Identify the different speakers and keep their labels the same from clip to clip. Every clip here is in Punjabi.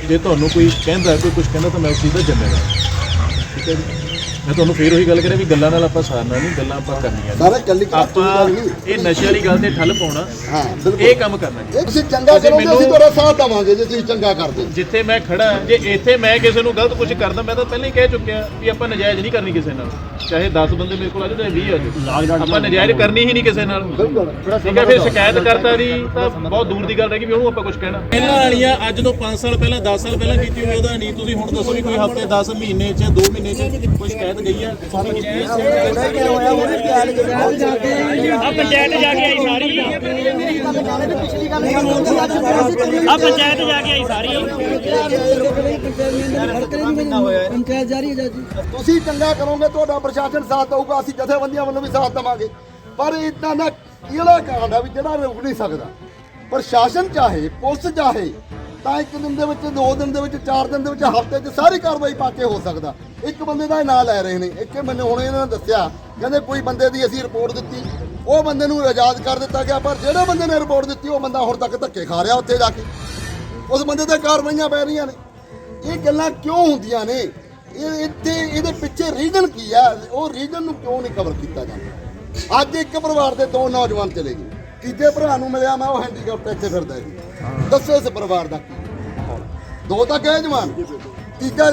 Speaker 1: ਜੇ ਤੁਹਾਨੂੰ ਕੋਈ ਕਹਿੰਦਾ ਕੋਈ ਕੁਝ ਕਹਿੰਦਾ ਤਾਂ ਮੈਂ ਉਸ ਚੀਜ਼ ਦਾ ਜ਼ਿੰਮੇਵਾਰ, ਠੀਕ ਹੈ ਜੀ। ਮੈਂ ਤੁਹਾਨੂੰ ਫੇਰ ਉਹੀ ਗੱਲ ਕਰਿਆ ਵੀ ਗੱਲਾਂ ਨਾਲ ਆਪਾਂ ਸਾਰਨਾ ਨਹੀਂ, ਗੱਲਾਂ ਆਪਾਂ ਕਰਨੀਆਂ
Speaker 2: ਸਾਰਾ ਕੱਲੀ
Speaker 1: ਆਪਾਂ ਇਹ ਨਸ਼ੇ ਵਾਲੀ ਗੱਲ ਤੇ ਠੱਲ ਪਾਉਣਾ,
Speaker 2: ਹਾਂ ਬਿਲਕੁਲ
Speaker 1: ਇਹ ਕੰਮ ਕਰਨਾ ਜੀ।
Speaker 2: ਤੁਸੀਂ ਚੰਗਾ ਕਰੋਗੇ ਅਸੀਂ ਤੁਹਾਡਾ ਸਾਥ ਦੇਵਾਂਗੇ ਜੇ ਤੁਸੀਂ ਚੰਗਾ ਕਰਦੇ।
Speaker 1: ਜਿੱਥੇ ਮੈਂ ਖੜਾ, ਜੇ ਇੱਥੇ ਮੈਂ ਕਿਸੇ ਨੂੰ ਗਲਤ ਕੁਝ ਕਰਦਾ, ਮੈਂ ਤਾਂ ਪਹਿਲਾਂ ਹੀ ਕਹਿ ਚੁੱਕਿਆ ਵੀ ਆਪਾਂ ਨਜਾਇਜ਼ ਨਹੀਂ ਕਰਨੀ ਕਿਸੇ ਨਾਲ, ਚਾਹੇ 10 ਬੰਦੇ ਮੇਰੇ ਕੋਲ ਆ ਜਾਣ ਚਾਹੇ 20 ਆ ਜਾਣ, ਆਪਾਂ ਨਜਾਇਜ਼ ਕਰਨੀ ਹੀ ਨਹੀਂ ਕਿਸੇ ਨਾਲ, ਠੀਕ ਹੈ। ਫਿਰ ਸ਼ਿਕਾਇਤ ਕਰਤਾ ਦੀ ਤਾਂ ਬਹੁਤ ਦੂਰ ਦੀ ਗੱਲ ਰਹਿ ਗਈ ਵੀ ਉਹਨੂੰ ਆਪਾਂ ਕੁਝ ਕਹਿਣਾ। ਪਹਿਲਾਂ ਵਾਲੀਆਂ ਅੱਜ ਤੋਂ 5 ਸਾਲ ਪਹਿਲਾਂ 10 ਸਾਲ ਪਹਿਲਾਂ ਕੀਤੀ ਹੋਈ ਉਹਦਾ ਨਹੀਂ, ਤੁਸੀਂ ਹੁਣ ਦੱਸੋ ਵੀ ਕੋਈ ਹਫ਼ਤੇ 10 ਮਹੀਨੇ 'ਚ 2 ਮਹੀਨੇ 'ਚ ਕੋਈ ਸ਼ਿਕਾਇਤ ਗਈ ਆ?
Speaker 3: ਆ ਪੰਚਾਇਤ ਜਾ ਕੇ ਆਈ ਸਾਰੀ, ਆ ਪੰਚਾਇਤ ਜਾ ਕੇ ਆਈ ਸਾਰੀ,
Speaker 4: ਪੰਚਾਇਤ ਜਾਰੀ ਹੈ ਜੀ।
Speaker 2: ਤੁਸੀਂ ਚੰਗਾ ਕਰੋਗੇ ਤੁਹਾਡਾ ਪ੍ਰਸ਼ਾਸਨ ਸਾਥ ਦਊਗਾ, ਅਸੀਂ ਜਥੇਬੰਦੀਆਂ ਵੱਲੋਂ ਵੀ ਸਾਥ ਦੇਵਾਂਗੇ। ਪਰ ਇਦਾਂ ਦਾ ਕਿਹੜਾ ਕਾਂਡ ਆ ਵੀ ਜਿਹੜਾ ਰੁਕ ਨਹੀਂ ਸਕਦਾ। ਪ੍ਰਸ਼ਾਸਨ ਚਾਹੇ ਪੁਲਿਸ ਚਾਹੇ ਤਾਂ 1 ਦਿਨ ਦੇ ਵਿੱਚ, 2 ਦਿਨ ਦੇ ਵਿੱਚ, 4 ਦਿਨ ਦੇ ਵਿੱਚ, ਹਫ਼ਤੇ 'ਚ ਸਾਰੀ ਕਾਰਵਾਈ ਪਾ ਕੇ ਹੋ ਸਕਦਾ। ਇੱਕ ਬੰਦੇ ਦਾ ਇਹ ਨਾਂ ਲੈ ਰਹੇ ਨੇ, ਇੱਕ ਮੈਨੂੰ ਹੁਣ ਇਹਨਾਂ ਨੇ ਦੱਸਿਆ, ਕਹਿੰਦੇ ਕੋਈ ਬੰਦੇ ਦੀ ਅਸੀਂ ਰਿਪੋਰਟ ਦਿੱਤੀ, ਉਹ ਬੰਦੇ ਨੂੰ ਆਜ਼ਾਦ ਕਰ ਦਿੱਤਾ ਗਿਆ, ਪਰ ਜਿਹੜੇ ਬੰਦੇ ਨੇ ਰਿਪੋਰਟ ਦਿੱਤੀ ਉਹ ਬੰਦਾ ਹੁਣ ਤੱਕ ਧੱਕੇ ਖਾ ਰਿਹਾ ਉੱਥੇ ਜਾ ਕੇ, ਉਸ ਬੰਦੇ ਤੇ ਕਾਰਵਾਈਆਂ ਪੈ ਰਹੀਆਂ ਨੇ। ਇਹ ਗੱਲਾਂ ਕਿਉਂ ਹੁੰਦੀਆਂ ਨੇ? ਇਹਦੇ ਪਿੱਛੇ ਰੀਜ਼ਨ ਕੀ ਆ? ਉਹ ਰੀਜ਼ਨ ਨੂੰ ਕਿਉਂ ਨਹੀਂ ਕਵਰ ਕੀਤਾ ਜਾਂਦਾ? ਅੱਜ ਇੱਕ ਪਰਿਵਾਰ ਦੇ 2 ਨੌਜਵਾਨ ਚਲੇ ਗਏ, ਤੀਜੇ ਭਰਾ ਨੂੰ ਮਿਲਿਆ ਮੈਂ, ਉਹ ਹੈਂਡੀਕੈਪਟ ਇੱਥੇ ਫਿਰਦਾ ਜੀ। ਦੱਸੋ ਇਸ ਪਰਿਵਾਰ ਦਾ ਕੀ? 2 ਤਾਂ ਗਏ ਜਵਾਨ, ਤੀਜਾ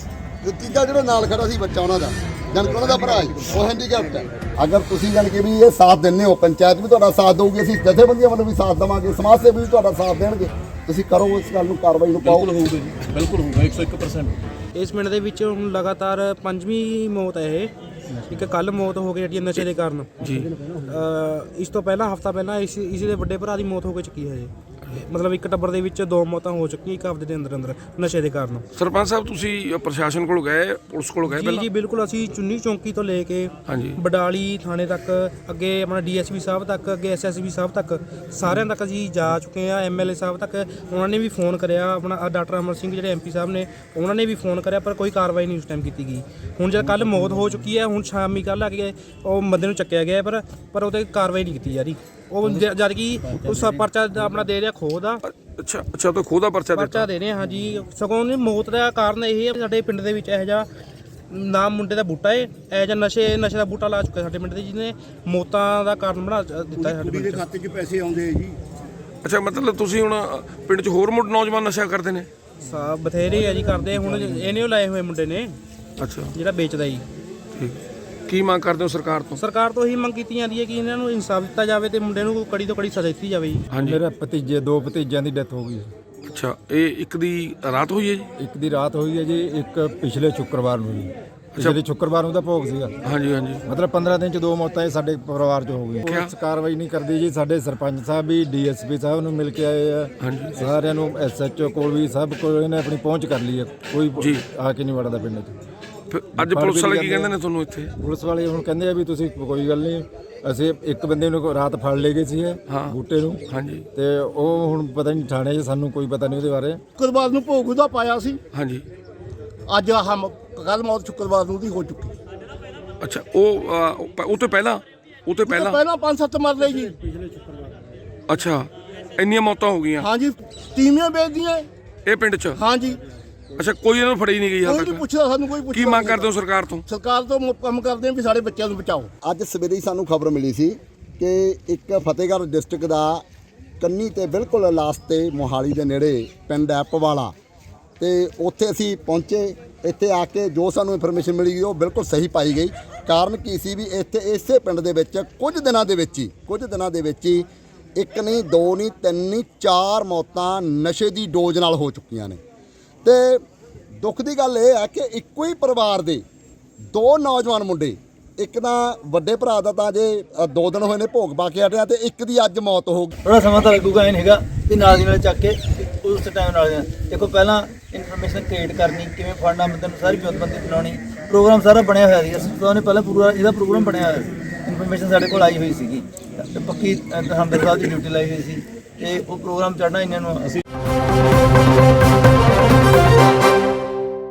Speaker 2: ਜਿਹੜਾ ਨਾਲ ਖੜਾ ਸੀ ਬੱਚਾ ਉਹਨਾਂ ਦਾ, ਜਾਨ ਕਿ ਉਹਨਾਂ ਦਾ ਭਰਾ ਹੀ ਉਹ ਹੈਂਡੀਕੈਪਟ ਹੈ। ਅਗਰ ਤੁਸੀਂ ਜਾਨ ਕਿ ਵੀ ਇਹ ਸਾਥ ਦਿੰਦੇ ਹੋ, ਪੰਚਾਇਤ ਵੀ ਤੁਹਾਡਾ ਸਾਥ ਦੇਊਗੀ, ਅਸੀਂ ਜਥੇਬੰਦੀਆਂ ਵੱਲੋਂ ਵੀ ਸਾਥ ਦੇਵਾਂਗੇ, ਸਮਾਜ ਸੇਵੀ ਵੀ ਤੁਹਾਡਾ ਸਾਥ ਦੇਣਗੇ, ਤੁਸੀਂ ਕਰੋ ਇਸ ਗੱਲ ਨੂੰ, ਕਾਰਵਾਈ ਨੂੰ ਪਾਓ।
Speaker 1: ਬਿਲਕੁਲ ਹੋਊਗਾ ਜੀ, ਬਿਲਕੁਲ ਹੋਊਗਾ 101%।
Speaker 4: ਇਸ ਪਿੰਡ ਦੇ ਵਿੱਚ ਹੁਣ ਲਗਾਤਾਰ 5ਵੀਂ ਮੌਤ ਹੈ ਇਹ। ਇੱਕ ਕੱਲ ਮੌਤ ਹੋ ਗਈ ਜਿਹੜੀ ਨਸ਼ੇ ਦੇ ਕਾਰਨ ਜੀ। ਇਸ ਤੋਂ ਪਹਿਲਾਂ ਹਫਤਾ ਪਹਿਲਾਂ ਇਸ ਦੇ ਵੱਡੇ ਭਰਾ ਦੀ ਮੌਤ ਹੋ ਕੇ ਚੁੱਕੀ ਹੈ ਜੀ। ਮਤਲਬ ਇੱਕ ਟੱਬਰ ਦੇ ਵਿੱਚ 2 ਮੌਤਾਂ ਹੋ ਚੁੱਕੀਆਂ ਇੱਕ ਹਫਤੇ ਦੇ ਅੰਦਰ ਨਸ਼ੇ ਦੇ ਕਾਰਨ।
Speaker 5: ਸਰਪੰਚ ਸਾਹਿਬ ਤੁਸੀਂ ਪ੍ਰਸ਼ਾਸਨ ਕੋਲ ਗਏ, ਪੁਲਿਸ ਕੋਲ ਗਏ ਪਹਿਲਾਂ?
Speaker 4: ਜੀ ਬਿਲਕੁਲ, ਅਸੀਂ ਚੁੰਨੀ ਚੌਂਕੀ ਤੋਂ ਲੈ ਕੇ ਬਡਾਲੀ ਥਾਣੇ ਤੱਕ, ਅੱਗੇ ਆਪਣਾ DSP ਸਾਹਿਬ ਤੱਕ, ਅੱਗੇ SSB ਸਾਹਿਬ ਤੱਕ, ਸਾਰਿਆਂ ਤੱਕ ਅਸੀਂ ਜਾ ਚੁੱਕੇ ਹਾਂ। MLA ਸਾਹਿਬ ਤੱਕ ਉਹਨਾਂ ਨੇ ਵੀ ਫੋਨ ਕਰਿਆ, ਆਪਣਾ ਡਾਕਟਰ ਅਮਰ ਸਿੰਘ ਜਿਹੜੇ MP ਸਾਹਿਬ ਨੇ ਉਹਨਾਂ ਨੇ ਵੀ ਫੋਨ ਕਰਿਆ, ਪਰ ਕੋਈ ਕਾਰਵਾਈ ਨਹੀਂ ਉਸ ਟਾਈਮ ਕੀਤੀ ਗਈ। ਹੁਣ ਜਦ ਕੱਲ ਮੌਤ ਹੋ ਚੁੱਕੀ ਹੈ, ਹੁਣ ਸ਼ਾਮੀ ਕੱਲ੍ਹ ਆ ਕੇ ਉਹ ਬੰਦੇ ਨੂੰ ਚੱਕਿਆ ਗਿਆ, ਪਰ ਉਹ 'ਤੇ ਕਾਰਵਾਈ ਨਹੀਂ ਕੀਤੀ ਜਾ ਰਹੀ। ਉਹ ਜਦ ਕਿ ਉਸ ਪਰਚਾ ਆਪਣਾ ਦੇ ਰਿਹਾ ਖੋਹ ਦਾ।
Speaker 5: ਅੱਛਾ, ਤਾਂ ਖੋਹ ਦਾ ਪਰਚਾ
Speaker 4: ਦੇ ਰਹੇ ਹਾਂ ਜੀ। ਸਗੋਂ ਮੌਤ ਦਾ ਕਾਰਨ ਇਹ ਹੈ ਸਾਡੇ ਪਿੰਡ ਦੇ ਵਿੱਚ ਇਹੋ ਜਿਹਾ ਨਾਮ ਮੁੰਡੇ ਦਾ ਬੂਟਾ ਹੈ, ਇਹੋ ਜਿਹਾ ਨਸ਼ੇ ਦਾ ਬੂਟਾ ਲਾ ਚੁੱਕਾ ਸਾਡੇ ਪਿੰਡ ਦੇ, ਜਿਹਨੇ ਮੌਤਾਂ ਦਾ ਕਾਰਨ ਬਣਾ ਦਿੱਤਾ ਹੈ। ਸਾਡੇ
Speaker 2: ਖਾਤੇ 'ਚ ਪੈਸੇ ਆਉਂਦੇ ਆ ਜੀ।
Speaker 5: ਅੱਛਾ, ਮਤਲਬ ਤੁਸੀਂ ਹੁਣ ਪਿੰਡ 'ਚ ਹੋਰ ਨੌਜਵਾਨ ਨਸ਼ਾ ਕਰਦੇ ਨੇ?
Speaker 4: ਬਥੇਰੇ ਆ ਜੀ ਕਰਦੇ। ਹੁਣ ਇਹਨੇ ਉਹ ਲਾਏ ਹੋਏ ਮੁੰਡੇ ਨੇ।
Speaker 5: ਅੱਛਾ,
Speaker 4: ਜਿਹੜਾ ਵੇਚਦਾ ਜੀ।
Speaker 5: ਠੀਕ। ਕੀ ਮੰਗ ਕਰਦੇ ਹੋ ਸਰਕਾਰ ਤੋਂ?
Speaker 4: ਸਰਕਾਰ ਤੋਂ ਇਹੀ ਮੰਗ ਕੀਤੀ ਜਾਂਦੀ ਹੈ ਕਿ ਇਹਨਾਂ ਨੂੰ ਇਨਸਾਫ ਦਿੱਤਾ ਜਾਵੇ ਤੇ ਮੁੰਡੇ ਨੂੰ ਕੜੀ ਤੋਂ ਕੜੀ ਸਜ਼ਾ ਦਿੱਤੀ ਜਾਵੇ ਜੀ।
Speaker 6: ਮੇਰੇ ਭਤੀਜੇ 2 ਭਤੀਜਿਆਂ ਦੀ ਡੈਥ ਹੋ ਗਈ।
Speaker 5: ਅੱਛਾ, ਇਹ ਇੱਕ ਦੀ ਰਾਤ ਹੋਈ ਹੈ ਜੀ?
Speaker 6: ਇੱਕ ਦੀ ਰਾਤ ਹੋਈ ਹੈ ਜੀ, ਇੱਕ ਪਿਛਲੇ ਸ਼ੁੱਕਰਵਾਰ ਨੂੰ ਜੀ। ਪਿਛਲੇ ਸ਼ੁੱਕਰਵਾਰ ਨੂੰ ਦਾ ਭੋਗ ਸੀਗਾ।
Speaker 5: ਹਾਂਜੀ।
Speaker 6: ਮਤਲਬ 15 ਦਿਨ ਚ 2 ਮੌਤਾਂ ਇਹ ਸਾਡੇ ਪਰਿਵਾਰ ਚ ਹੋ ਗਈ। ਪੁਲਿਸ ਕਾਰਵਾਈ ਨਹੀਂ ਕਰਦੀ ਜੀ। ਸਾਡੇ ਸਰਪੰਚ ਸਾਹਿਬ ਵੀ DSP ਸਾਹਿਬ ਨੂੰ ਮਿਲ ਕੇ ਆਏ ਆ, ਸਾਰਿਆਂ ਨੂੰ SHO ਕੋਲ ਵੀ ਸਭ ਕੋਲ ਇਹਨੇ ਆਪਣੀ ਪਹੁੰਚ ਕਰ ਲਈ ਹੈ, ਕੋਈ ਆ ਕੇ ਨਹੀਂ ਵੜਦਾ ਪਿੰਡ 'ਚ।
Speaker 5: ਅੱਜ ਪੁਲਿਸ ਵਾਲੇ ਕੀ ਕਹਿੰਦੇ ਨੇ ਤੁਹਾਨੂੰ ਇੱਥੇ?
Speaker 6: ਪੁਲਿਸ ਵਾਲੇ ਹੁਣ ਕਹਿੰਦੇ ਆ ਵੀ ਤੁਸੀਂ ਕੋਈ ਗੱਲ ਨਹੀਂ, ਅਸੀਂ ਇੱਕ ਬੰਦੇ ਨੂੰ ਰਾਤ ਫੜ ਲਏ ਗਏ ਸੀ ਬੂਟੇ ਨੂੰ।
Speaker 5: ਹਾਂਜੀ।
Speaker 6: ਤੇ ਉਹ ਹੁਣ ਪਤਾ ਨਹੀਂ ਥਾਣੇ 'ਚ, ਸਾਨੂੰ ਕੋਈ ਪਤਾ ਨਹੀਂ ਉਹਦੇ ਬਾਰੇ।
Speaker 2: ਸ਼ੁੱਕਰਵਾਰ ਨੂੰ ਭੋਗ ਉਹਦਾ ਪਾਇਆ ਸੀ।
Speaker 5: ਹਾਂਜੀ।
Speaker 2: ਅੱਜ ਕੱਲ ਮੌਤ ਸ਼ੁੱਕਰਵਾਰ ਨੂੰ ਦੀ ਹੋ ਚੁੱਕੀ।
Speaker 5: ਅੱਛਾ, ਉਹ ਤੋਂ ਪਹਿਲਾਂ
Speaker 2: 5-7 ਮਰ ਲਏ ਜੀ।
Speaker 5: ਅੱਛਾ, ਇੰਨੀਆਂ ਮੌਤਾਂ ਹੋ ਗਈਆਂ?
Speaker 2: ਹਾਂਜੀ, ਤੀਵੀਆਂ ਵੇਚਦੀਆਂ
Speaker 5: ਇਹ ਪਿੰਡ 'ਚ?
Speaker 2: ਹਾਂਜੀ।
Speaker 5: ਅੱਛਾ, ਕੋਈ ਇਹਨਾਂ ਨੂੰ ਫੜੀ ਨਹੀਂ ਗਈ ਹਾਲ ਤੱਕ?
Speaker 2: ਕੋਈ ਪੁੱਛਦਾ ਸਾਨੂੰ, ਕੋਈ ਪੁੱਛਦਾ।
Speaker 5: ਕੀ ਮੰਗ ਕਰਦੇ ਹੋ ਸਰਕਾਰ ਤੋਂ?
Speaker 2: ਸਰਕਾਰ ਤੋਂ ਕੰਮ ਕਰਦੇ ਆ ਵੀ ਸਾਡੇ ਬੱਚਿਆਂ ਨੂੰ ਬਚਾਓ। ਅੱਜ ਸਵੇਰੇ ਹੀ ਸਾਨੂੰ ਖਬਰ ਮਿਲੀ ਸੀ ਕਿ ਇੱਕ ਫਤਿਹਗੜ੍ਹ ਡਿਸਟ੍ਰਿਕਟ ਦਾ ਕੰਨੀ ਤੇ ਬਿਲਕੁਲ ਲਾਸਟ ਤੇ ਮੋਹਾਲੀ ਦੇ ਨੇੜੇ ਪਿੰਡ ਹੈ ਪਵਾਲਾ, ਤੇ ਉੱਥੇ ਅਸੀਂ ਪਹੁੰਚੇ। ਇੱਥੇ ਆ ਕੇ ਜੋ ਸਾਨੂੰ ਇਨਫੋਰਮੇਸ਼ਨ ਮਿਲੀ ਉਹ ਬਿਲਕੁਲ ਸਹੀ ਪਾਈ ਗਈ। ਕਾਰਨ ਕੀ ਸੀ ਵੀ ਇੱਥੇ ਇਸੇ ਪਿੰਡ ਦੇ ਵਿੱਚ ਕੁਝ ਦਿਨਾਂ ਦੇ ਵਿੱਚ ਹੀ 1 ਨਹੀਂ 2 ਨਹੀਂ 3 ਨਹੀਂ 4 ਮੌਤਾਂ ਨਸ਼ੇ ਦੀ ਡੋਜ਼ ਨਾਲ ਹੋ ਚੁੱਕੀਆਂ ਨੇ। ਤੇ ਦੁੱਖ ਦੀ ਗੱਲ ਇਹ ਹੈ ਕਿ ਇੱਕੋ ਹੀ ਪਰਿਵਾਰ ਦੇ 2 ਨੌਜਵਾਨ ਮੁੰਡੇ, ਇੱਕ ਤਾਂ ਵੱਡੇ ਭਰਾ ਦਾ ਤਾਂ ਜੇ 2 ਦਿਨ ਹੋਏ ਨੇ ਭੋਗ ਪਾ ਕੇ ਹਟਿਆ, ਤੇ ਇੱਕ ਦੀ ਅੱਜ ਮੌਤ ਹੋ ਗਈ।
Speaker 7: ਥੋੜਾ ਸਮਾਂ ਤਾਂ ਲੱਗੂਗਾ, ਇਹ ਨਹੀਂ ਹੈਗਾ ਵੀ ਨਾਲ ਦੀ ਨਾਲ ਚੱਕ ਕੇ ਉਸ ਟਾਈਮ ਨਾਲ ਦੇਖੋ। ਪਹਿਲਾਂ ਇਨਫੋਰਮੇਸ਼ਨ ਕ੍ਰੀਏਟ ਕਰਨੀ, ਕਿਵੇਂ ਫੜਨਾ ਬੰਦੇ ਨੂੰ, ਸਾਰੀ ਵਿਉਂਤਬੰਦੀ ਬਣਾਉਣੀ, ਪ੍ਰੋਗਰਾਮ ਸਾਰਾ ਬਣਿਆ ਹੋਇਆ ਸੀ। ਅਸੀਂ ਨੇ ਪਹਿਲਾਂ ਪੂਰਾ ਇਹਦਾ ਪ੍ਰੋਗਰਾਮ ਬਣਿਆ ਹੋਇਆ, ਇਨਫੋਰਮੇਸ਼ਨ ਸਾਡੇ ਕੋਲ ਆਈ ਹੋਈ ਸੀਗੀ, ਪੱਕੀ ਹੰਬਰ ਸਾਹਿਬ ਦੀ ਡਿਊਟੀ ਲਾਈ ਹੋਈ ਸੀ, ਤੇ ਉਹ ਪ੍ਰੋਗਰਾਮ ਚੜ੍ਹਨਾ ਇਹਨਾਂ ਨੂੰ ਅਸੀਂ